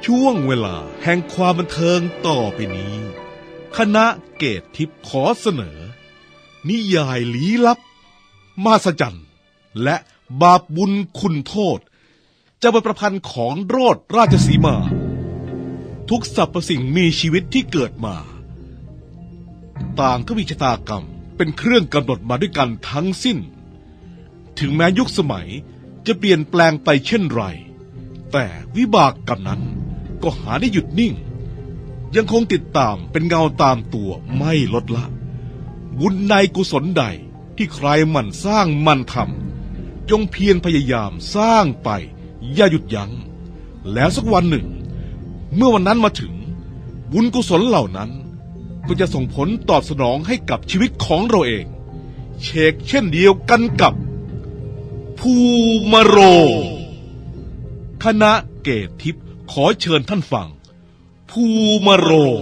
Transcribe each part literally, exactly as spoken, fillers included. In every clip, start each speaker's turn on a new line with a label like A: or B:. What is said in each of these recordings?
A: ช่วงเวลาแห่งความบันเทิงต่อไปนี้คณะเกตทิพย์ขอเสนอนิยายลี้ลับมหัศจรรย์และบาปบุญคุณโทษจะเป็นประพันธ์ของโรสราชสีมาทุกสรรพสิ่งมีชีวิตที่เกิดมาต่างก็มีชะตากรรมเป็นเครื่องกำหนดมาด้วยกันทั้งสิ้นถึงแม้ยุคสมัยจะเปลี่ยนแปลงไปเช่นไรแต่วิบากกรรมนั้นก็หาได้หยุดนิ่งยังคงติดตามเป็นเงาตามตัวไม่ลดละบุญในกุศลใดที่ใครหมั่นสร้างหมั่นทำจงเพียรพยายามสร้างไปอย่าหยุดยัง้งแล้วสักวันหนึ่งเมื่อวันนั้นมาถึงบุญกุศลเหล่านั้นก็จะส่งผลตอบสนองให้กับชีวิตของเราเองเชกเช่นเดียวกันกับภูมาโรงคณะเกตทิพย์ขอเชิญท่านฟังภูมาโรง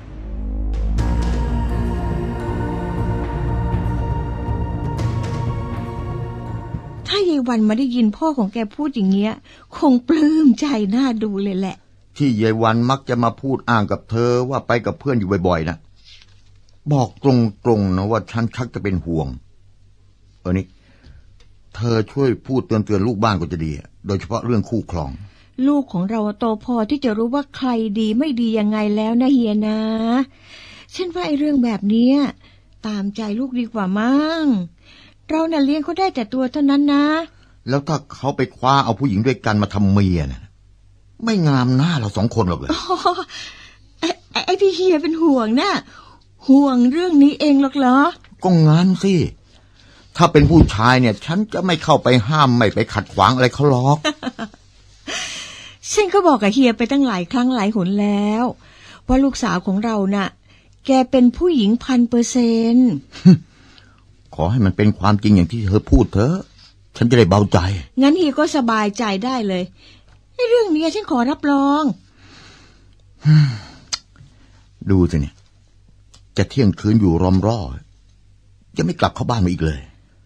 B: ถ้ายายวันมาได้ยินพ่อของแกพูดอย่างเงี้ยคงปลื้มใจน่าดูเลยแหละ
C: ที่ยายวันมักจะมาพูดอ้างกับเธอว่าไปกับเพื่อนอยู่บ่อยๆนะบอกตรงๆนะว่าฉันชักจะเป็นห่วงเออนี่เธอช่วยพูดเตือนๆลูกบ้านก็จะดีโดยเฉพาะเรื่องคู่ครอง
B: ลูกของเราโตพอที่จะรู้ว่าใครดีไม่ดียังไงแล้วนะเฮียนะฉันว่าไอ้เรื่องแบบนี้ตามใจลูกดีกว่ามั้งเราน่ะเลี้ยงเขาได้แต่ตัวเท่านั้นนะ
C: แล้วถ้าเขาไปคว้าเอาผู้หญิงด้วยกันมาทำเมียนะไม่งามหน้าเราสองคนหรอกเลย
B: ไอ้ไอ้ที่เฮียเป็นห่วงน่ะห่วงเรื่องนี้เองหรอกเหรอ
C: ก็งั้นสิถ้าเป็นผู้ชายเนี่ยฉันจะไม่เข้าไปห้ามไม่ไปขัดขวางอะไรเขาหรอก
B: ฉันก็บอกกับเฮียไปตั้งหลายครั้งหลายหนแล้วว่าลูกสาวของเราน่ะแกเป็นผู้หญิงพันเปอร์เซนต์
C: ขอให้มันเป็นความจริงอย่างที่เธอพูดเถอะฉันจะได้เบาใจ
B: งั้นเฮียก็สบายใจได้เลยในเรื่องนี้ฉันขอรับรอง
C: ดูสิเนี่ยจะเที่ยงคืนอยู่รอมร่อยังไม่กลับเข้าบ้านมาอีกเลย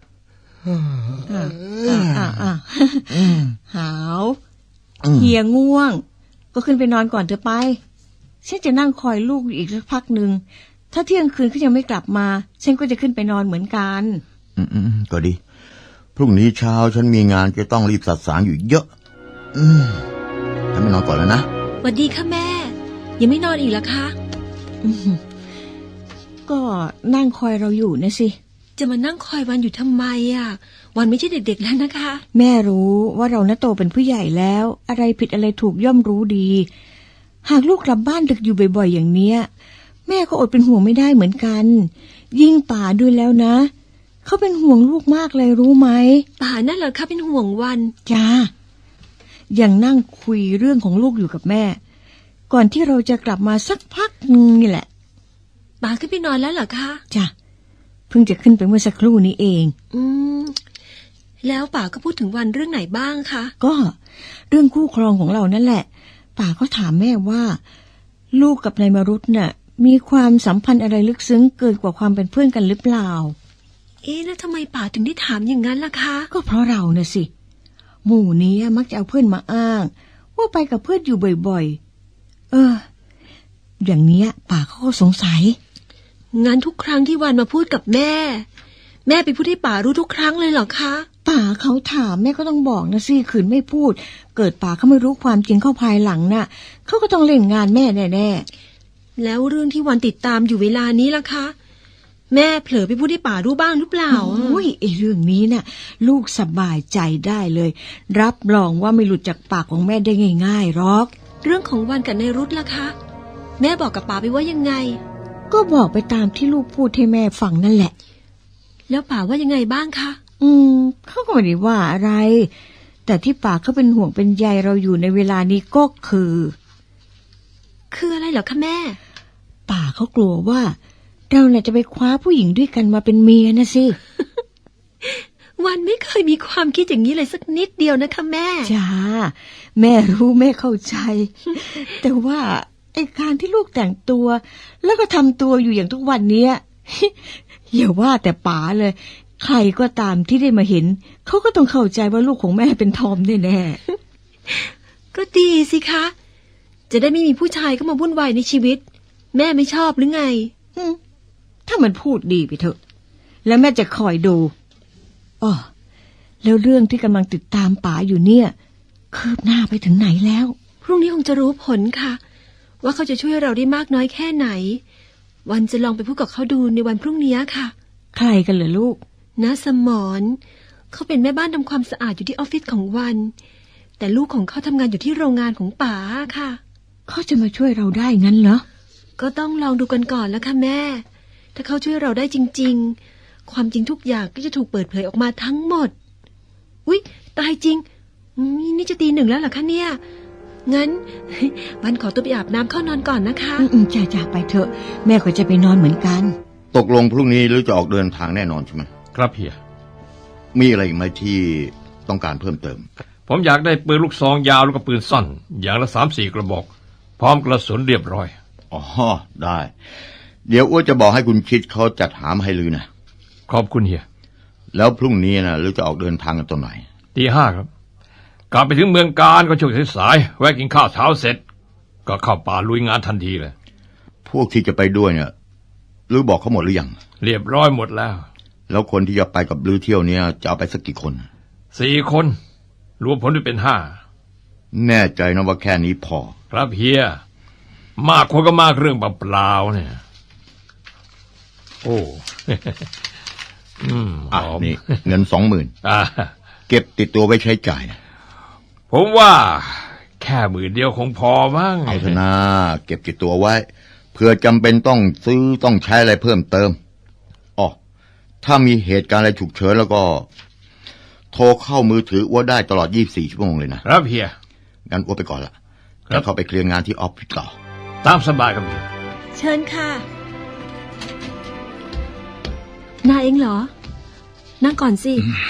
B: หาวเฮียง่วงก็ขึ้นไปนอนก่อนเถอะไปฉันจะนั่งคอยลูกอีกสักพักหนึ่งถ้าเที่ยงคืนเขายังไม่กลับมาฉันก็จะขึ้นไปนอนเหมือนกัน
C: อืมๆก็ดีพรุ่งนี้เช้าฉันมีงานจะต้องรีบสัดสางอยู่เยอะอืมฉันไม่นอนก่อนแล้วนะ
D: สวัสดีค่ะแม่ยังไม่นอนอีกเหรอคะ
B: ก็นั่งคอยเราอยู่นะสิ
D: จะมานั่งคอยวันอยู่ทำไมอ่ะวันไม่ใช่เด็กๆแล้วนะคะ
B: แม่รู้ว่าเราน่ะโตเป็นผู้ใหญ่แล้วอะไรผิดอะไรถูกย่อมรู้ดีหากลูกกลับบ้านดึกอยู่บ่อยๆอย่างเนี้ยแม่ก็อดเป็นห่วงไม่ได้เหมือนกันยิ่งป่าด้วยแล้วนะเขาเป็นห่วงลูกมากเลยรู้ไหม
D: ป่านั่นเหรอคะเป็นห่วงวัน
B: จ้าอย่างนั่งคุยเรื่องของลูกอยู่กับแม่ก่อนที่เราจะกลับมาสักพักนึงนี่แหละ
D: ป่าขึ้นไปนอนแล้วเหรอคะ
B: จ้ะเพิ่งจะขึ้นไปเมื่อสักครู่นี้เอง
D: อืมแล้วป่าก็พูดถึงวันเรื่องไหนบ้างคะ
B: ก็เรื่องคู่ครองของเรานั่นแหละป่าก็ถามแม่ว่าลูกกับนายมรุตน่ะมีความสัมพันธ์อะไรลึกซึ้งเกินกว่าความเป็นเพื่อนกันหรือเปล่า
D: เอ๊ะแล้วทำไมป่าถึงได้ถามอย่างนั้นล่ะคะ
B: ก็เพราะเราน่ะสิหมู่นี้มักจะเอาเพื่อนมาอ้างว่าไปกับเพื่อนอยู่บ่อยๆเอออย่างเนี้ยป่าเขาก็สงสัย
D: งั้นทุกครั้งที่วันมาพูดกับแม่แม่ไปพูดให้ป่ารู้ทุกครั้งเลยเหรอคะ
B: ป่าเขาถามแม่ก็ต้องบอกนะสิขืนไม่พูดเกิดป่าเขาไม่รู้ความจริงเข้าภายหลังน่ะเขาก็ต้องเล่นงานแม่แน่
D: ๆแล้วเรื่องที่วันติดตามอยู่เวลานี้ล่ะคะแม่เผลอไปพูดให้ป่ารู้บ้างหรือเปล่า
B: โอ้ยไอ้เรื่องนี้น่ะลูกสบายใจได้เลยรับรองว่าไม่หลุดจากปากของแม่ได้ง่ายๆหรอก
D: เรื่องของวันกับนายรุธล่ะคะแม่บอกกับป่าไปว่ายังไง
B: ก็บอกไปตามที่ลูกพูดให้แม่ฟังนั่นแหละ
D: แล้วป่าว่ายังไงบ้างคะ
B: อืมเขาก็ไม่ได้ว่าอะไรแต่ที่ป่าเขาเป็นห่วงเป็นใยเราอยู่ในเวลานี้ก็คือ
D: คืออะไรเหรอคะแม่
B: ป่าเขากลัวว่าเราเนี่ยจะไปคว้าผู้หญิงด้วยกันมาเป็นเมียนะสิ
D: วันไม่เคยมีความคิดอย่างนี้เลยสักนิดเดียวนะคะแม่
B: จ้าแม่รู้แม่เข้าใจ แต่ว่าไอ้การที่ลูกแต่งตัวแล้วก็ทำตัวอยู่อย่างทุกวันนี้ อย่าว่าแต่ป๋าเลยใครก็ตามที่ได้มาเห็นเขาก็ต้องเข้าใจว่าลูกของแม่เป็นทอมแน่
D: ๆก็ดีสิคะจะได้ไม่มีผู้ชายเข้ามาวุ่นวายในชีวิต แม่ไม่ชอบหรือไง
B: อืมถ้ามันพูดดีไปเถอะ แล้วแม่จะคอยดูอ๋อแล้วเรื่องที่กำลังติดตามป๋าอยู่เนี่ยคืบหน้าไปถึงไหนแล้ว
D: พรุ่งนี้คงจะรู้ผลค่ะ ว่าเขาจะช่วยเราได้มากน้อยแค่ไหน วันจะลองไปพูดกับเขาดูในวันพรุ่งนี้ค่ะ
B: ใครกันเหรอลูก
D: น้าสมรเขาเป็นแม่บ้านทำความสะอาดอยู่ที่ออฟฟิศของวัน แต่ลูกของเขาทำงานอยู่ที่โรงงานของป๋าค่ะ
B: เขาจะมาช่วยเราได้งั้นเหรอ
D: ก็ต้องลองดูกันก่อนแล้วค่ะแม่ ถ้าเขาช่วยเราได้จริงๆ ความจริงทุกอย่างก็จะถูกเปิดเผยออกมาทั้งหมดอุ๊ยตายจริงนี่จะตีหนึ่งแล้วเหรอคะเนี่ยงั้น วันขอตัวไปอาบน้ำเข้านอนก่อนนะคะ
B: อืมๆจ่าๆไปเถอะ แม่ก็จะไปนอนเหมือนกัน
C: ตกลงพรุ่งนี้หรือจะออกเดินทางแน่นอนใช่ไหม
E: ครับเฮีย
C: มีอะไรอีกไหมที่ต้องการเพิ่มเติม
E: ผมอยากได้ปืนลูกซองยาวแล้วก็ปืนสั้นอย่างละสามสี่กระบอก พร้อมกระสุนเรียบร้อย
C: อ๋อได้ เดี๋ยวอ้วนจะบอกให้คุณคิดเขาจัดหามาให้ลือนะ
E: ขอบคุณเฮีย
C: แล้วพรุ่งนี้นะหรือจะออกเดินทางกันตอนไหน
E: ตีห้าครับกลับไปถึงเมืองการก็ช่วงสายๆแวะกินข้าวเช้าเสร็จ ก็เข้าป่าลุยงานทันทีเลย
C: พวกที่จะไปด้วยเนี่ยลือบอกเขาหมดหรือยัง
E: เรียบร้อยหมดแล้ว
C: แล้วคนที่จะไปกับลือเที่ยวเนี้ยจะเอาไปสักกี่คน
E: สี่คนรวมผลด้วยเป็นห้า
C: แน่ใจนะว่าแค่นี้พอ
E: ครับเฮียมากคนก็มากเรื่องเปล่าๆเนี่ยโอ้ อืมห
C: อ่ะ
E: อม
C: นี่ เงินสองหมื่น
E: อ่า
C: เก็บติดตัวไว้ใช้จ่ายนะ
E: ผมว่าแค่หมื่นเดียวคงพอมั้ง
C: เอาเถอะนะเก็บติดตัวไว้เพื่อจำเป็นต้องซื้อต้องใช้อะไรเพิ่มเติมอ๋อถ้ามีเหตุการณ์อะไรฉุกเฉินแล้วก็โทรเข้ามือถืออ้วได้ตลอดยี่สิบสี่ชั่วโมงเลยนะครับ
E: เฮีย
C: งั้นอ้วไปก่อนละ
E: ครับ
C: จะเข้าไปเคลียร์งานที่ออฟฟิศต่อ
E: ตามสบายครับเฮีย
D: เชิญค่ะนายเองเหรอ นั่งก่อนสิ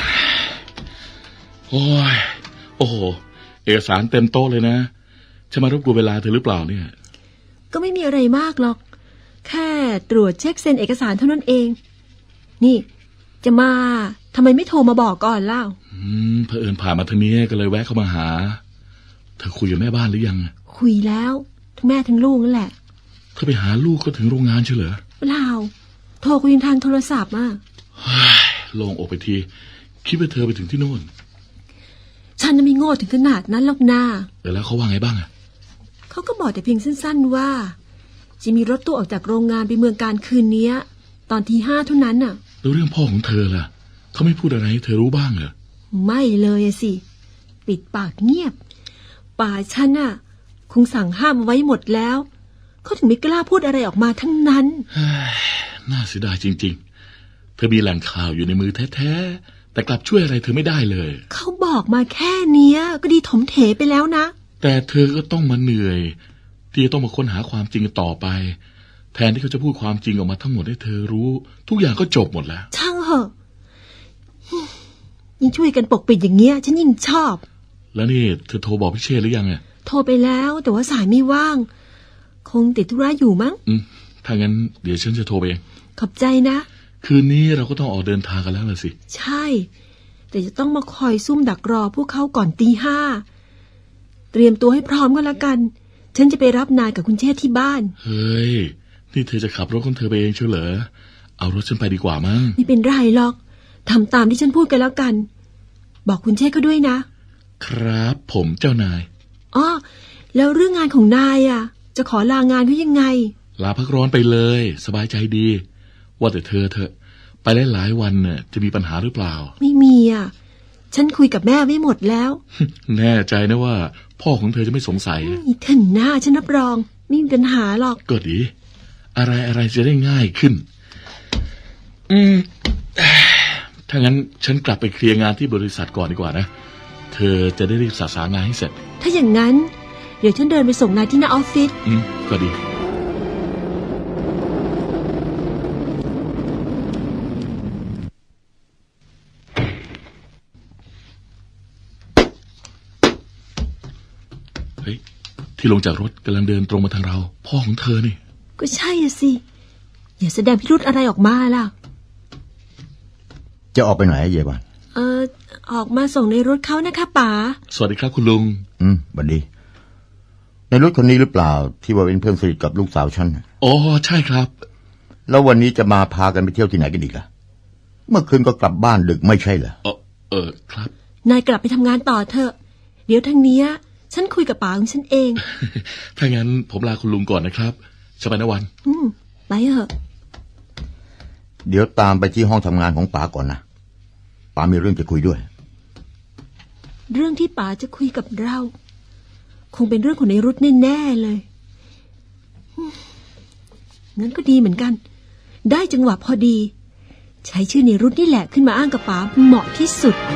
F: โอ้ย โอ้โห เอกสารเต็มโต๊ะเลยนะ จะมารบกวนเวลาเธอหรือเปล่าเนี่ย
D: ก็ไม่มีอะไรมากหรอก แค่ตรวจเช็คเซ็นเอกสารเท่านั้นเอง นี่ จะมาทำไมไม่โทรมาบอกก่อนเล่า
F: อืมเผอิญผ่านมาทางนี้ก็เลยแวะเข้ามาหา เธอคุยกับแม่บ้านหรือยัง
D: คุยแล้วทั้งแม่ทั้งลูกนั่นแหละ
F: เธอไปหาลูกก็ถึงโรงงานใช่เหรอ
D: เปล่าโทรคุยทางโทรศัพท์อ่ะ
F: โล่งอกไปที คิดว่าเธอไปถึงที่โน่น
D: ฉันน่ะไม่โง่ถึงขนาดนั้นหรอกนา
F: แต่แล้วเขาว่าไงบ้างอะ
D: เขาก็บอกแต่เพียงสั้นๆว่า จะมีรถตู้ออกจากโรงงานไปเมืองการคืนนี้ตอนทีห้าเท่านั้นน่ะ
F: แล้วเรื่องพ่อของเธอล่ะเขาไม่พูดอะไรให้เธอรู้บ้างเหรอ
D: ไม่เลยอะสิ ปิดปากเงียบ ป่าฉันน่ะ คงสั่งห้ามเอาไว้หมดแล้วเขาถึงไม่กล้าพูดอะไรออกมาทั้งนั้น
F: น่าเสียดายจริงๆ เธอมีแหล่งข่าวอยู่ในมือแท้ๆแต่กลับช่วยอะไรเธอไม่ได้เลย
D: เขาบอกมาแค่เนี้ย ก็ดีถมเถไปแล้วนะ
F: แต่เธอก็ต้องมาเหนื่อยที่จะต้องมาค้นหาความจริงกันต่อไป แทนที่เขาจะพูดความจริงออกมาทั้งหมดให้เธอรู้ ทุกอย่างก็จบหมดแล้ว
D: ช่างเหอะยิ่งช่วยกันปกปิดอย่างเงี้ย ฉันยิ่งชอบ
F: แล้วนี่เธอโทรบอกพี่เชษหรือยังอ่ะ
D: โทรไปแล้วแต่ว่าสายไม่ว่าง คงติดธุระอยู่มั้ง
F: อืมถ้างั้นเดี๋ยวฉันจะโทรไปเอง
D: ขอบใจนะ
F: คืนนี้เราก็ต้องออกเดินทางกันแล้วล่ะสิ
D: ใช่ แต่จะต้องมาคอยซุ่มดักรอพวกเขาก่อนตีห้าเตรียมตัวให้พร้อมก็แล้วกัน ฉันจะไปรับนายกับคุณเชษฐ์ที่บ้าน
F: เฮ้ยนี่เธอจะขับรถของเธอไปเองเชียวเหรอเอารถฉันไปดีกว่ามั้ง
D: ไม่เป็นไรหรอกทำตามที่ฉันพูดกันแล้วกัน บอกคุณเชษฐ์เขาด้วยนะครับ
F: ผมเจ้านาย
D: อ้อแล้วเรื่องงานของนายอ่ะ จะขอลางานเขายังไง
F: ลาพักร้อนไปเลย สบายใจดี ว่าแต่เธอเธอไปหลายๆวันน่ะจะมีปัญหาหรือเปล่า
D: ไม่มีอ่ะ ฉันคุยกับแม่ไว้หมดแล้ว
F: แน่ใจนะว่า พ่อของเธอจะไม่สงสัย
D: อีท่านหน้าฉันรับรองไม่มีปัญหาหรอก
F: ก็ดี อะไรอะไรจะได้ง่ายขึ้น อืม ถ้างั้นฉันกลับไปเคลียร์งานที่บริษัทก่อนดีกว่านะ เธอจะได้รีบสาสางานให้เสร็จ
D: ถ้าอย่างนั้น เดี๋ยวฉันเดินไปส่งนายที่หน้าออฟฟิศ
F: อืม ก็ดี เฮ้ย ที่ลงจากรถกำลังเดินตรงมาทางเรา พ่อของเธอนี่
D: ก็ใช่อะสิ อย่าแสดงพิรุธอะไรออกมาล่ะ
C: จะออกไปไหนเยบัน
D: เออออกมาส่งในรถเขานะคะป๋า
F: สวัสดีครับคุณลุง
C: อืมบัดดีในรถคนนี้หรือเปล่าที่ว่าเป็นเพื่อนสนิทกับลูกสาวฉันน่ะ
F: อ๋อใช่ครับ
C: แล้ววันนี้จะมาพากันไปเที่ยวที่ไหนกันอีกล่ะเมื่อคืนก็กลับบ้านดึกไม่ใช่เหรอ
F: เออเออครับ
D: นายกลับไปทำงานต่อเถอะ เดี๋ยวทางเนี้ยฉันคุยกับป๋าของฉันเอง
F: ถ้างั้นผมลาคุณลุงก่อนนะครับสบายนะวัน
D: อืมไปเถอะ
C: เดี๋ยวตามไปที่ห้องทำงานของป๋าก่อนนะป๋ามีเรื่องจะคุยด้วย
D: เรื่องที่ป๋าจะคุยกับเรา คงเป็นเรื่องของในรุธแน่ๆเลยอืมงั้นก็ดีเหมือนกัน ได้จังหวะพอดี ใช้ชื่อในรุธนี่แหละขึ้นมาอ้างกับป๋าเหมาะที่สุด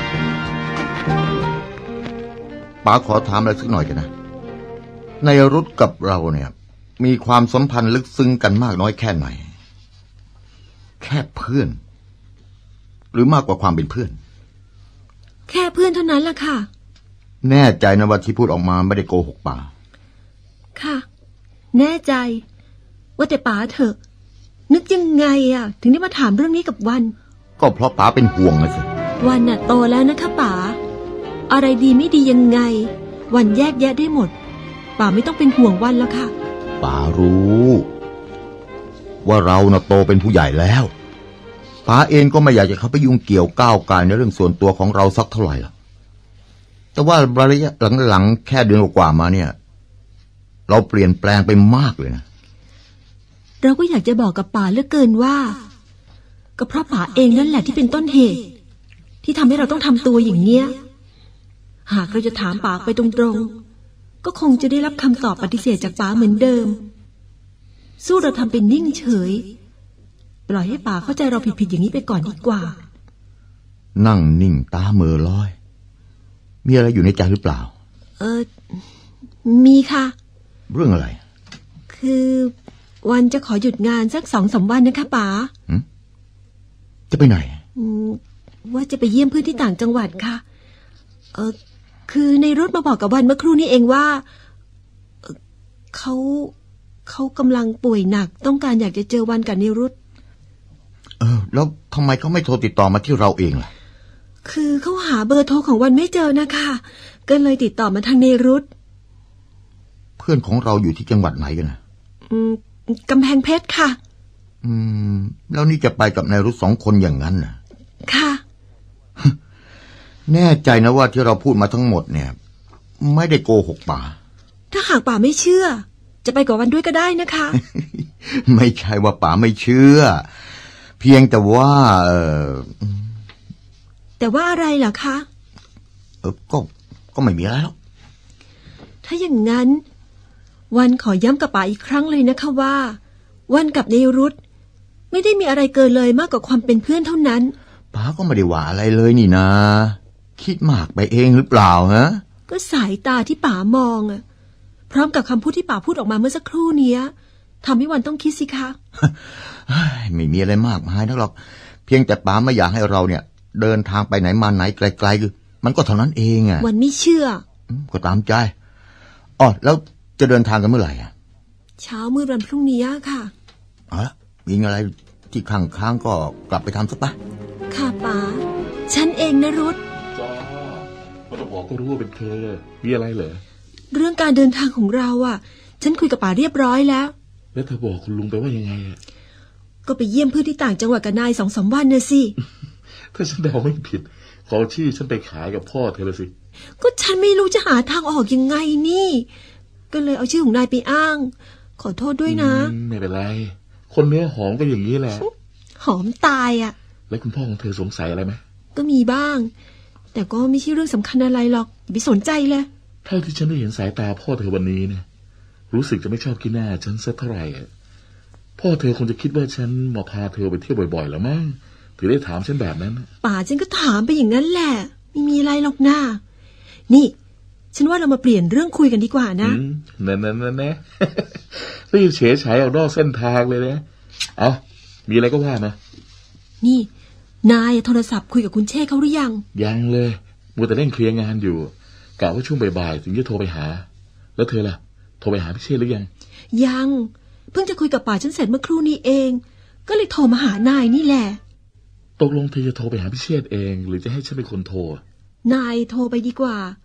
C: ป๋าขอถามอะไรสักหน่อยกันนะในรุธกับเราเนี่ย มีความสัมพันธ์ลึกซึ้งกันมากน้อยแค่ไหนแค่เพื่อน หรือมากกว่าความเป็นเพื่อน
D: แค่เพื่อนเท่านั้นล่ะค่ะ
C: แน่ใจนะว่าที่พูดออกมาไม่ได้โกหกป๋า
D: ค่ะ แน่ใจ ว่าแต่ป๋าเถอะ นึกยังไงอ่ะ ถึงได้มาถามเรื่องนี้กับวัน
C: ก็เพราะป๋าเป็นห่วงนะสิ
D: วันน่ะโตแล้วนะคะป๋าอะไรดีไม่ดียังไง วันแยกแยะได้หมดป๋าไม่ต้องเป็นห่วงวันแล้วค่ะ
C: ป๋ารู้ ว่าเราน่ะโตเป็นผู้ใหญ่แล้วป๋าเองก็ไม่อยากจะเข้าไปยุ่งเกี่ยวก้าวไก่ในเรื่องส่วนตัวของเราสักเท่าไหร่หรอกแต่ว่าระยะหลังๆแค่เดือนกว่ามาเนี่ย เราเปลี่ยนแปลงไปมากเลยนะ
D: เราก็อยากจะบอกกับป๋าเหลือเกินว่าก็เพราะป๋าเองนั่นแหละที่เป็นต้นเหตุ ที่ทำให้เราต้องทำตัวอย่างเนี้ยหากเราจะถามป๋าไปตรงๆก็คงจะได้รับคำตอบปฏิเสธจากป๋าเหมือนเดิม สู้เราทำเป็นนิ่งเฉยปล่อยให้ป๋าเข้าใจเราผิดๆอย่างนี้ไปก่อนดีกว่า
C: นั่งนิ่งตาเหม่อลอย มีอะไรอยู่ในใจหรือเปล่า
D: เออมีค่ะ
C: เรื่องอะไร
D: คือวันจะขอหยุดงานสักสองสามวันนะคะป๋า
C: จะไปไหน
D: อืมว่าจะไปเยี่ยมเพื่อนที่ต่างจังหวัดค่ะ เออคือในรถมาบอกกับวันเมื่อครู่นี้เองว่าเอ่อเขาเขากำลังป่วยหนักต้องการอยากจะเจอวันกับนิรุต
C: เออ แล้วทำไมเขาไม่โทรติดต่อมาที่เราเองล่ะ
D: คือเขาหาเบอร์โทรของวันไม่เจอนะคะก็เลยติดต่อมาทางนิรุต
C: เพื่อนของเราอยู่ที่จังหวัดไหนกันนะ
D: อืมกำแพงเพชรค่ะ
C: อืม แล้วนี่จะไปกับนายรุธสองคนอย่างนั้นนะ
D: ค่ะ
C: แน่ใจนะว่าที่เราพูดมาทั้งหมดเนี่ย ไม่ได้โกหกป๋า
D: ถ้าหากป๋าไม่เชื่อ จะไปกับวันด้วยก็ได้นะคะ
C: ไม่ใช่ว่าป๋าไม่เชื่อ เพียงแต่ว่าเออ
D: แต่ว่าอะไรเหรอคะ
C: เออก็ก็ไม่มีอะไรหรอก
D: ถ้าอย่างนั้น วันขอย้ำกับป๋าอีกครั้งเลยนะคะว่า วันกับเนรุตไม่ได้มีอะไรเกินเลยมากกว่าความเป็นเพื่อนเท่านั้น
C: ป๋าก็ไม่ได้ว่าอะไรเลยนี่นะ คิดมากไปเองหรือเปล่าฮะ
D: ก็สายตาที่ป๋ามองอะพร้อมกับคำพูดที่ป๋าพูดออกมาเมื่อสักครู่เนี้ยทำให้วันต้องคิดสิคะ
C: ไม่มีอะไรมากมายนักหรอก เพียงแต่ป๋าไม่อยากให้เราเนี่ย เดินทางไปไหนมาไหนไกลๆมันก็เท่านั้นเองอ่ะ
D: วันไม่เชื่อ
C: อืมก็ตามใจอ๋อแล้วจะเดินทางกันเมื่อไหร่อ่ะ
D: เช้ามืดวันพรุ่งนี้ค่ะ
C: เอาละมีอะไรที่ข้างค้างก็กลับไปทำซะปะ
D: ค่ะป๋าฉันเองนะรุธ
F: จ้าไม่ต้องบอกก็รู้ว่าเป็นเธอมีอะไรเหรอ
D: เรื่องการเดินทางของเราอ่ะ ฉันคุยกับป๋าเรียบร้อยแล้ว
F: แล้วเธอบอกคุณลุงไปว่ายังไงอะ
D: ก็ไปเยี่ยมเพื่อนที่ต่างจังหวัดกับนายสองสามวันน่ะสิ
F: ถ้าฉันเดาไม่ผิดขอชื่อฉันไปขายกับพ่อเธอเลยสิ
D: ก็ฉันไม่รู้จะหาทางออกยังไงนี่ ก็เลยเอาชื่อของนายไปอ้าง ขอโทษด้วยนะ
F: อืมไม่เป็นไร คนเนื้อหอมก็อย่างนี้แหละ
D: หอมตายอ่ะ
F: แล้วคุณพ่อของเธอสงสัยอะไรไหม
D: ก็มีบ้าง แต่ก็ไม่ใช่เรื่องสำคัญอะไรหรอกอย่าไปสนใจเลย
F: เท่าที่ฉันได้เห็นสายตาพ่อเธอวันนี้เนี่ยรู้สึกจะไม่ชอบกินหน้าฉันสักเท่าไหร่อะพ่อเธอคงจะคิดว่าฉันมาพาเธอไปเที่ยวบ่อยๆแล้วมั้งถึงได้ถามฉันแบบนั้น
D: ป่าฉันก็ถามไปอย่างนั้นแหละ ไม่มีอะไรหรอกนะนี่ ฉันว่าเรามาเปลี่ยนเรื่องคุยกันดีกว่านะ
F: อืมนั่นนั่นนั่นนะ รีบเฉยฉายออกนอกเส้นทางเลยนะเอามีอะไรก็ว่ามา
D: นี่นายโทรศัพท์คุยกับคุณเชษเขาหรือยัง
F: ยังเลยมัวแต่เร่งเคลียร์งานอยู่กะว่าช่วงบ่ายๆถึงจะโทรไปหา แล้วเธอล่ะโทรไปหาพี่เชษหรือยัง
D: ยังเพิ่งจะคุยกับป่าฉันเสร็จเมื่อครู่นี้เอง ก็เลยโทรมาหานายนี่แหละ
F: ตกลงเธอจะโทรไปหาพี่เชษเองหรือจะให้ฉันเป็นคนโทร
D: นายโทรไปดีกว่า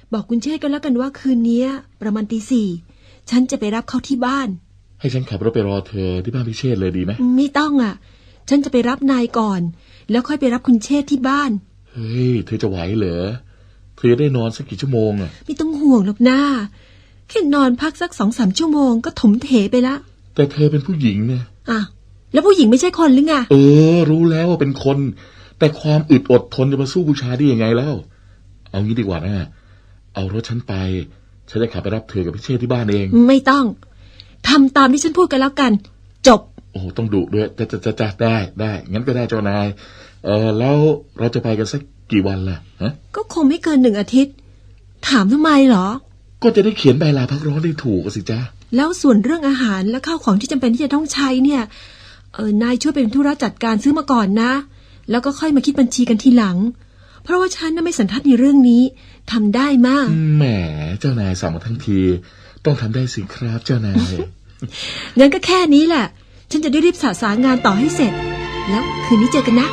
D: บอกคุณเชษฐ์กันแล้วกันว่าคืนนี้ประมาณตีสี่ฉันจะไปรับเขาที่บ้าน
F: ให้ฉันขับรถไปรอเธอที่บ้านพิเชษเลยดีไหม
D: ไม่ต้องอ่ะ ฉันจะไปรับนายก่อน แล้วค่อยไปรับคุณเชษฐ์ที่บ้าน
F: เฮ้ยเธอจะไหวเหรอเธอจะได้นอนสักกี่ชั่วโมงอ่ะ
D: ไม่ต้องห่วงหรอกนะแค่นอนพักสักสองสามชั่วโมงก็ถมเถไปละ
F: แต่เธอเป็นผู้หญิงเนี่ย
D: อ่ะแล้วผู้หญิงไม่ใช่คนหรือไง
F: เออรู้แล้วว่าเป็นคน แต่ความอึดอดทนจะมาสู้ผู้ชายได้ยังไงแล้วเอางี้ดีกว่านะเอารถฉันไปฉันจะขับไปรับเธอกับพิเชษที่บ้านเอง
D: ไม่ต้องทำตามที่ฉันพูดกันแล้วกัน จบ
F: โอ้ต้องดุด้วยจะจะจะจะได้ได้งั้นก็ได้เจ้านายเออแล้วเราจะไปกันสักกี่วันล่ะฮะ
D: ก็คงไม่เกินหนึ่งอาทิตย์ ถามทำไมเหรอ
F: ก็จะได้เขียนใบลาพักร้อนได้ถูกสิจ๊ะ
D: แล้วส่วนเรื่องอาหารและข้าวของที่จำเป็นที่จะต้องใช้เนี่ยเออนายช่วยเป็นธุระจัดการซื้อมาก่อนนะ แล้วก็ค่อยมาคิดบัญชีกันทีหลัง เพราะว่าฉันน่ะไม่สันทัดในเรื่องนี้ทำได้มาก
F: แหมเจ้านายสั่งมาทั้งทีต้องทำได้สิครับเจ้านาย
D: งั้นก็แค่นี้แหละ ฉันจะได้รีบสาสางงานต่อให้เสร็จ แล้วคืนนี้เจอกันนะ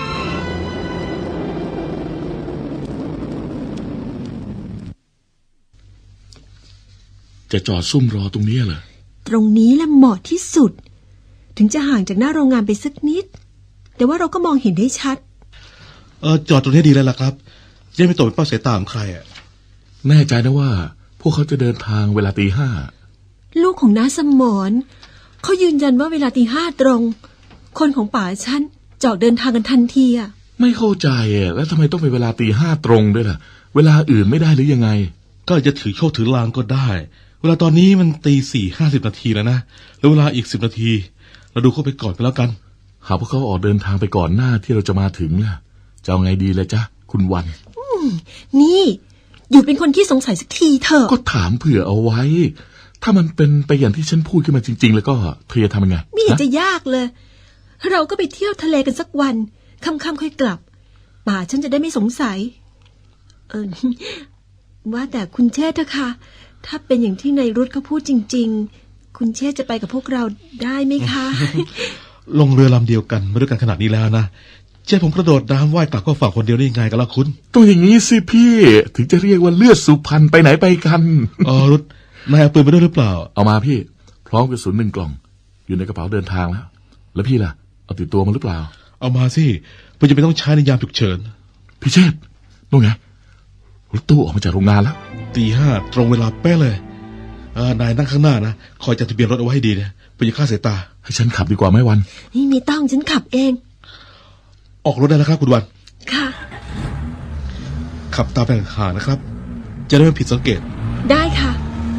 F: จะจอดซุ่มรอตรงนี้เหรอ
D: ตรงนี้แหละเหมาะที่สุด ถึงจะห่างจากหน้าโรงงานไปสักนิด แต่ว่าเราก็มองเห็นได้ชัด
A: เออจอดตรงนี้ดีแล้วล่ะครับจะไม่ตกเป็นเป้าสายตาของใครอ่ะ
F: แน่ใจนะว่า พวกเขาจะเดินทางเวลาตีห้า
D: ลูกของน้าสมรเขายืนยันว่าเวลาตีห้าตรง คนของป่าฉันจะออกเดินทางกันทันทีอ่ะ
F: ไม่เข้าใจอ่ะแล้วทำไมต้องเป็นเวลาตีห้าตรงด้วยล่ะ เวลาอื่นไม่ได้หรือยังไง
A: ก็อาจจะถือโชคถือลางก็ได้ เวลาตอนนี้มันตีสี่ห้าสิบนาทีแล้วนะแล้วเวลาอีกสิบนาทีเราดูเข้าไปก่อนไปแล้วกัน
F: หากพวกเขาออกเดินทางไปก่อนหน้าที่เราจะมาถึงล่ะจะเอาไงดีเลยจ๊ะคุณวัน
D: นี่อยู่เป็นคนที่สงสัยสักทีเถอะ
F: ก็ถามเผื่อเอาไว้ ถ้ามันเป็นไปอย่างที่ฉันพูดขึ้นมาจริง ๆ แล้วก็เธอจะทำยังไง
D: ไม่เห็น
F: ฮะ
D: จะยากเลย เราก็ไปเที่ยวทะเลกันสักวันค่ำๆค่อยกลับ ป่าฉันจะได้ไม่สงสัย เออ ว่าแต่คุณเชษฐ์เถอะค่ะถ้าเป็นอย่างที่นายรุธเขาพูดจริง ๆ คุณเชษฐ์จะไปกับพวกเราได้ไหมคะ
A: ลงเรือลำเดียวกันมาด้วยกันขนาดนี้แล้วนะเจ้าผมกระโดดน้ำว่ายกลับก็ฝั่งคนเดียวได้ยังไงกันล่ะคุณ
F: ตัวอย่างนี้สิพี่ถึงจะเรียกว่าเลือดสุพรรณไปไหนไปกัน
A: อ๋อรุดนายเอาปืนไปด้วยหรือเปล่า
F: เอามาพี่พร้อมกระสุนหนึ่งกล่อง อยู่ในกระเป๋าเดินทางแล้ว แล้วพี่ล่ะเอาติดตัวมาหรือเปล่า
A: เอามาสิเพื่อจะไม่ต้องใช้ในยามฉุกเฉิน
F: พี่เชษฐ์นู่นไงรถตู้ออกมาจากโรงงานแล้ว
A: ตีห้าตรงเวลาเป๊ะเลยเออนายนั่งข้างหน้านะคอยจัดทะเบียนรถเอาไว้ให้ดีนะเพื่อจะฆ่าสายตา
F: ให้ฉันขับดีกว่าไหมวัน
D: นี่ไม่ต้องฉันขับเอง
A: ออกรถได้แล้วครับคุณวัน
D: ค่ะ
A: ขับตามไปห่างๆนะครับ จะได้ไม่ผิดสังเกต
D: ได้ค่ะ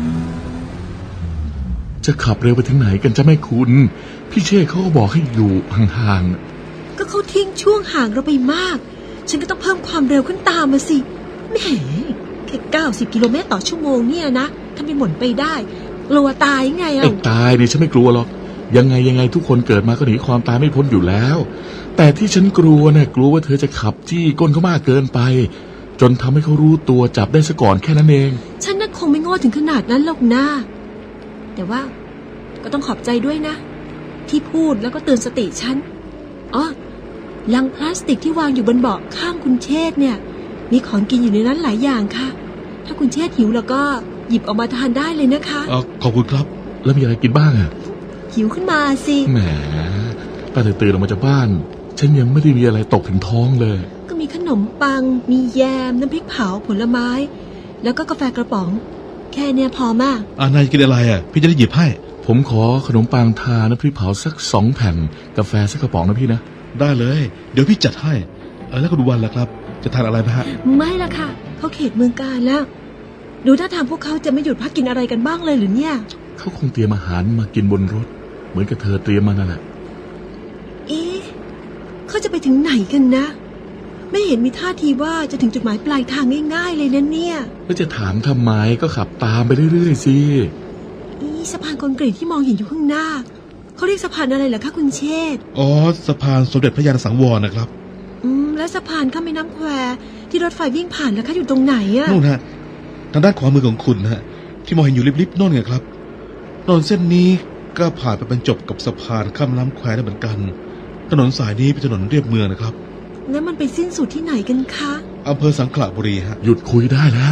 F: จะขับเร็วไปถึงไหนกันจะไม่คุณพี่เชษฐ์เขาก็บอกให้อยู่ห่าง
D: ก็เขาทิ้งช่วงห่างเราไปมาก ฉันก็ต้องเพิ่มความเร็วขึ้นตามมาสิแหมแค่เก้าสิบกิโลเมตรต่อชั่วโมงเนี่ยนะถ้าไม่หมุนไปได้กลัวตายไง
F: ๆ
D: อ่ะ
F: ไอ้ตายดิฉันไม่กลัวหรอกยังไงยังไงทุกคนเกิดมาก็หนีความตายไม่พ้นอยู่แล้ว แต่ที่ฉันกลัวเนี่ยกลัวว่าเธอจะขับจี้ก้นเขามากเกินไป จนทำให้เขารู้ตัวจับได้ซะก่อนแค่นั้นเอง
D: ฉันน่ะคงไม่โง่ถึงขนาดนั้นหรอกนะแต่ว่าก็ต้องขอบใจด้วยนะ ที่พูดแล้วก็เตือนสติฉันอ๋อลังพลาสติกที่วางอยู่บนเบาะข้างคุณเชษฐ์เนี่ย มีของกินอยู่ในนั้นหลายอย่างค่ะ ถ้าคุณเชษฐ์หิวแล้วก็หยิบออกมาทานได้เลยนะคะ
A: เออขอบคุณครับ
F: แล้วมีอะไรกินบ้างอะ
D: หิวขึ้นมาสิ
F: แหมตั้งแต่ตื่นออกมาจากบ้าน ฉันยังไม่ได้มีอะไรตกถึงท้องเลย
D: ก็มีขนมปัง มีแยม น้ำพริกเผาผลไม้ แล้วก็กาแฟกระป๋อง แค่เนี้ยพอมาก
A: อ่านายกินอะไรอ่ะพี่จะได้หยิบให้
F: ผมขอขนมปังทาน้ำพริกเผาสักสองแผ่นกาแฟสักกระป๋องนะพี่นะ
A: ได้เลย เดี๋ยวพี่จัดให้เออแล้วคุณวันล่ะครับ จะทานอะไรไหมฮะ
D: ไม่ละค่ะ เขาเขตเมืองการแล้ว ดูท่าทางพวกเขาจะไม่หยุดพักกินอะไรกันบ้างเลยหรือเนี่ย
F: เขาคงเตรียมอาหารมากินบนรถ เหมือนกับเธอเตรียมมานั่นแหละ
D: เอ๊ะเขาจะไปถึงไหนกันนะ ไม่เห็นมีท่าทีว่าจะถึงจุดหมายปลายทางง่ายๆเลยนะเนี่ย
F: แล้วจะถามทำไมก็ขับตามไปเรื่อยๆสิ
D: อีสะพานคอนกรีตที่มองเห็นอยู่ข้างหน้าเขาเรียกสะพานอะไรเหรอคะคุณเชษฐ์
A: อ๋อสะพานสมเด็จพระยาณสังวรนะครับ
D: อืมและสะพานข้ามแม่น้ำแควที่รถไฟวิ่งผ่านแล้วคะอยู่ตรงไหนอะ
A: นู่นฮะทางด้านขวามือของคุณนะฮะที่มองเห็นอยู่ริบๆโน่นไงครับถนนเส้นนี้ก็ผ่านไปบรรจบกับสะพานข้ามน้ำแควได้เหมือนกัน ถนนสายนี้เป็นถนนเรียบเมืองนะครับ
D: แล้วมันไปสิ้นสุดที่ไหนกันคะ
A: อำเภอสังขละบุรีฮะ
F: หยุดคุยได้แล้ว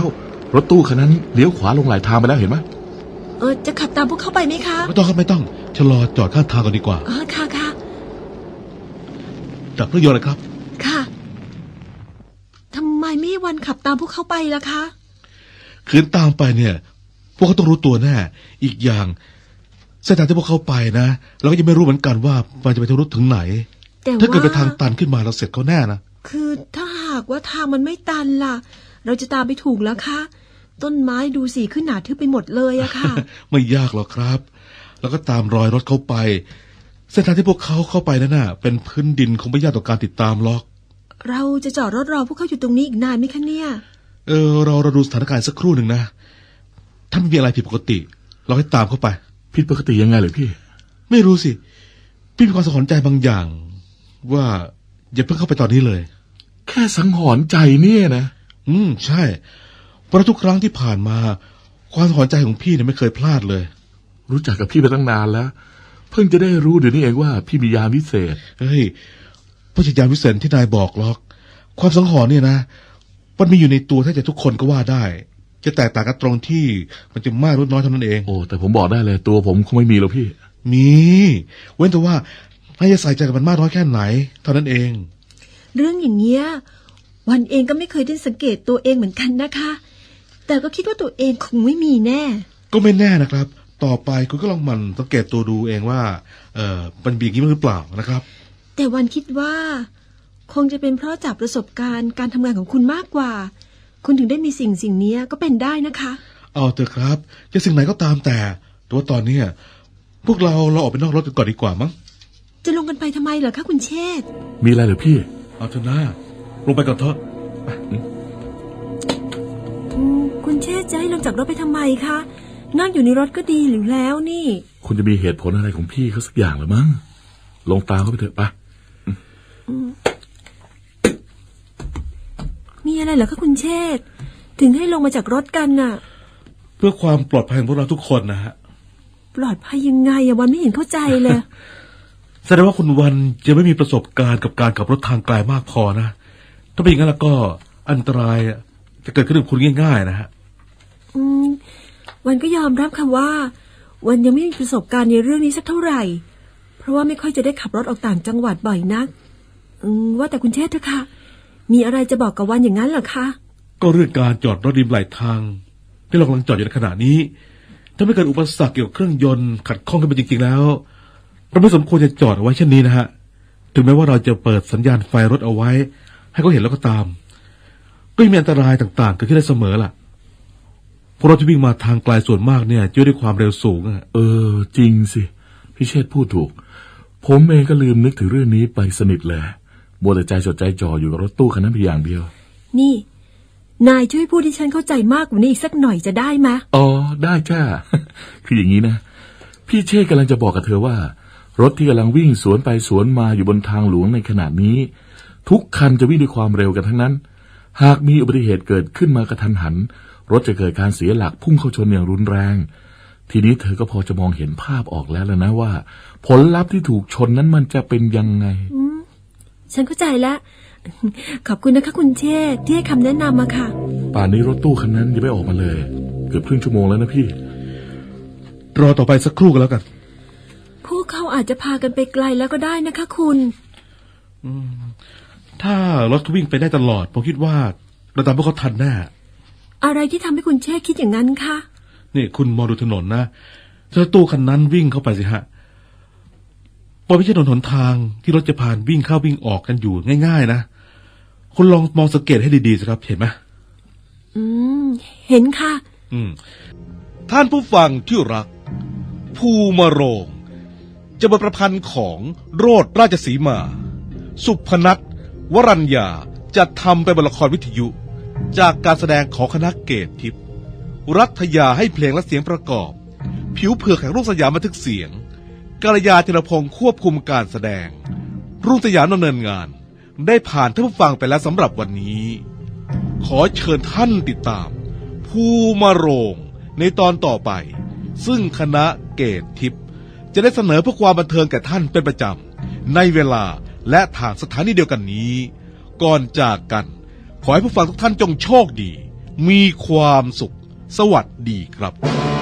F: รถตู้คันนั้นเลี้ยวขวาลงหลายทางไปแล้วเห็นไหม
D: เออจะขับตามพวกเขาไปไหมคะ
A: ไม่ต้องครับไม่ต้องชะลอจอดข้างทางก่อนดีกว่า
D: อ๋อค่ะค่ะ
A: ดับเครื่องยนต์เลยครับ
D: ค่ะทำไมไม่วันขับตามพวกเขาไปล่ะคะ
A: คืนตามไปเนี่ย พวกเขาต้องรู้ตัวแน่อีกอย่างเส้นทางที่พวกเขาไปนะเราก็ยังไม่รู้เหมือนกันว่ามันจะไปทะลุถึงไหน
D: แต่ว่า
A: ถ้าเกิดไปทางตันขึ้นมาเราเสร็จเขาแน่นะ
D: คือถ้าหากว่าทางมันไม่ตันล่ะ เราจะตามไปถูกแล้วคะต้นไม้ดูสิขึ้นหนาทึบไปหมดเลยอะค่ะ
A: ไม่ยากหรอกครับ แล้วก็ตามรอยรถเขาไป เส้นทางที่พวกเขาเข้าไปนั่นน่ะ เป็นพื้นดินคงไม่ยากต่อการติดตามหรอก
D: เราจะจอดรถรอพวกเขาอยู่ตรงนี้อีกนานไหมคะเนี่ย
A: เออเราเราดูสถานการณ์สักครู่หนึ่งนะถ้าไม่มีอะไรผิดปกติ เราให้ตามเข้าไป
F: ผิดปกติยังไงเลยพี่
A: ไม่รู้สิพี่มีความสะหรณ์ใจบางอย่าง ว่าอย่าเพิ่งเข้าไปตอนนี้เลย
F: แค่สังหรณ์ใจเนี่ยนะ
A: อืมใช่เพราะทุกครั้งที่ผ่านมา ความสะหรณ์ใจของพี่เนี่ยไม่เคยพลาดเลย
F: รู้จักกับพี่มาตั้งนานแล้ว เพิ่งจะได้รู้เดี๋ยวนี้เองว่าพี่มียามวิเศษ
A: เฮ้ยพระจิตยานวิเศษที่นายบอกหรอก ความสังหรณ์เนี่ยนะมันมีอยู่ในตัวแทบจะทุกคนก็ว่าได้ จะแตกต่างกันตรงที่มันจะมากหรือน้อยเท่านั้นเอง
F: โอ้แต่ผมบอกได้เลยตัวผมคงไม่มีหรอกพี่
A: มีเว้นแต่ว่าให้จะใส่ใจกับมันมากน้อยแค่ไหน เท่านั้นเอง
D: เรื่องอย่างเงี้ยวันเองก็ไม่เคยได้สังเกตตัวเองเหมือนกันนะคะ แต่ก็คิดว่าตัวเองคงไม่มีแน่
A: ก็ไม่แน่นะครับ ต่อไปคุณก็ลองหมันสังเกตตัวดูเองว่า เออมันมีอย่างนี้หรือเปล่านะครับ
D: แต่วันคิดว่า คงจะเป็นเพราะจากประสบการณ์การทำงานของคุณมากกว่า คุณถึงได้มีสิ่งสิ่งนี้ก็เป็นได้นะคะ
A: เอาเถอะครับจะสิ่งไหนก็ตามแต่แต่ว่าตอนเนี้ยพวกเราเราออกไปนอกรถกันก่อนดีกว่ามั้ง
D: จะลงกันไปทำไมเหรอคะคุณเชษฐ์
F: มีอะไรเหรอพี่
A: เอาเถอะนะลงไปก่อนเถอะ
D: อืมคุณเชษฐ์จะให้ลงจากรถไปทำไมคะนั่งอยู่ในรถก็ดีหรือแล้วนี่
F: คุณจะมีเหตุผลอะไรของพี่เขาสักอย่างหรือมั้งลงตามเขาไปเถอะไป
D: มีอะไรเหรอคะคุณเชษฐ์ถึงให้ลงมาจากรถกันน่ะ
A: เพื่อความปลอดภัยของพวกเราทุกคนนะฮะ
D: ปลอดภัยยังไงอะวันไม่เห็นเข้าใจเลย
A: แสดงว่าคุณวันจะไม่มีประสบการณ์กับการขับรถทางไกลมากพอนะถ้าเป็นอย่างนั้นแล้วก็อันตรายจะเกิดขึ้นกับคุณง่ายๆนะฮะ
D: อืมวันก็ยอมรับค่ะว่า วันยังไม่มีประสบการณ์ในเรื่องนี้สักเท่าไหร่ เพราะว่าไม่ค่อยจะได้ขับรถออกต่างจังหวัดบ่อยนัก อืมว่าแต่คุณเชษฐ์เถอะค่ะมีอะไรจะบอกกับวันอย่างนั้นเหรอคะ
A: ก็เรื่องการจอดรถริมไหลทางที่เรากำลังจอดอยู่ในขณะนี้ถ้าไม่เกิดอุปสรรคเกี่ยวกับเครื่องยนต์ขัดข้องกันไปจริงๆแล้วเราไม่สมควรจะจอดเอาไว้เช่นนี้นะฮะถึงแม้ว่าเราจะเปิดสัญญาณไฟรถเอาไว้ให้เขาเห็นแล้วก็ตามก็ยังมีอันตรายต่างๆเกิดขึ้นได้เสมอล่ะเพราะรถที่วิ่งมาทางไกลส่วนมากเนี่ยจะด้วยความเร็วสูงอะ
F: เออจริงสิพี่เชษฐ์พูดถูกผมเองก็ลืมนึกถึงเรื่องนี้ไปสนิทเลยมัวแต่ใจจดใจจ่ออยู่กับรถตู้คันนั้นเพียงอย่างเดียว
D: นี่นายช่วยพูดให้ฉันเข้าใจมากกว่านี้อีกสักหน่อยจะได้ไหม
F: อ๋อได้จ้า คืออย่างนี้นะพี่เชษฐ์กำลังจะบอกกับเธอว่า รถที่กำลังวิ่งสวนไปสวนมาอยู่บนทางหลวงในขณะนี้ ทุกคันจะวิ่งด้วยความเร็วกันทั้งนั้นหากมีอุบัติเหตุเกิดขึ้นมากระทันหันรถจะเกิดการเสียหลักพุ่งเข้าชนอย่างรุนแรงทีนี้เธอก็พอจะมองเห็นภาพออกแล้วแล้วนะว่า ผลลัพธ์ที่ถูกชนนั้นมันจะเป็นยังไง
D: อืมฉันเข้าใจแล้ว ขอบคุณนะคะคุณเชษฐ์ที่ให้คำแนะนำมาค่ะ
F: ป่านนี้รถตู้คันนั้นยังไม่ออกมาเลยเกือบครึ่งชั่วโมงแล้วนะพี่
A: รอต่อไปสักครู่กันแล้วกัน
D: พวกเขาอาจจะพากันไปไกลแล้วก็ได้นะคะคุณ
A: ถ้ารถวิ่งไปได้ตลอดผมคิดว่าเราตามพวกเขาทันแน่
D: อะไรที่ทำให้คุณเชษฐ์คิดอย่างนั้นคะ
A: นี่คุณมองดูถนนนะถ้าตู้คันนั้นวิ่งเข้าไปสิฮะพอไม่ใช่ถนนหนทางที่รถจะผ่านวิ่งเข้าวิ่งออกกันอยู่ง่ายๆนะคุณลองมองสังเกตให้ดีๆสิครับเห็นไหม
D: อืมเห็นค่ะ
A: อืมท่านผู้ฟังที่รักภูมาโรงจะบทประพันธ์ของโรดราชสีมา สุพนัทวรัญญาจะทำเป็นบทละครวิทยุ จากการแสดงของคณะเกตทิพย์รัฐยาให้เพลงและเสียงประกอบ ผิวเผือกแห่งรุ่งสยามบันทึกเสียงกัลยาธีรพงศ์ควบคุมการแสดงรุ่งสยามดำเนินงานได้ผ่านท่านผู้ฟังไปแล้วสำหรับวันนี้ ขอเชิญท่านติดตามภูมาโรงในตอนต่อไปซึ่งคณะเกตทิพย์จะได้เสนอเพื่อความบันเทิงแก่ท่านเป็นประจำในเวลาและทางสถานีเดียวกันนี้ก่อนจากกันขอให้ผู้ฟังทุกท่านจงโชคดีมีความสุข สวัสดีครับ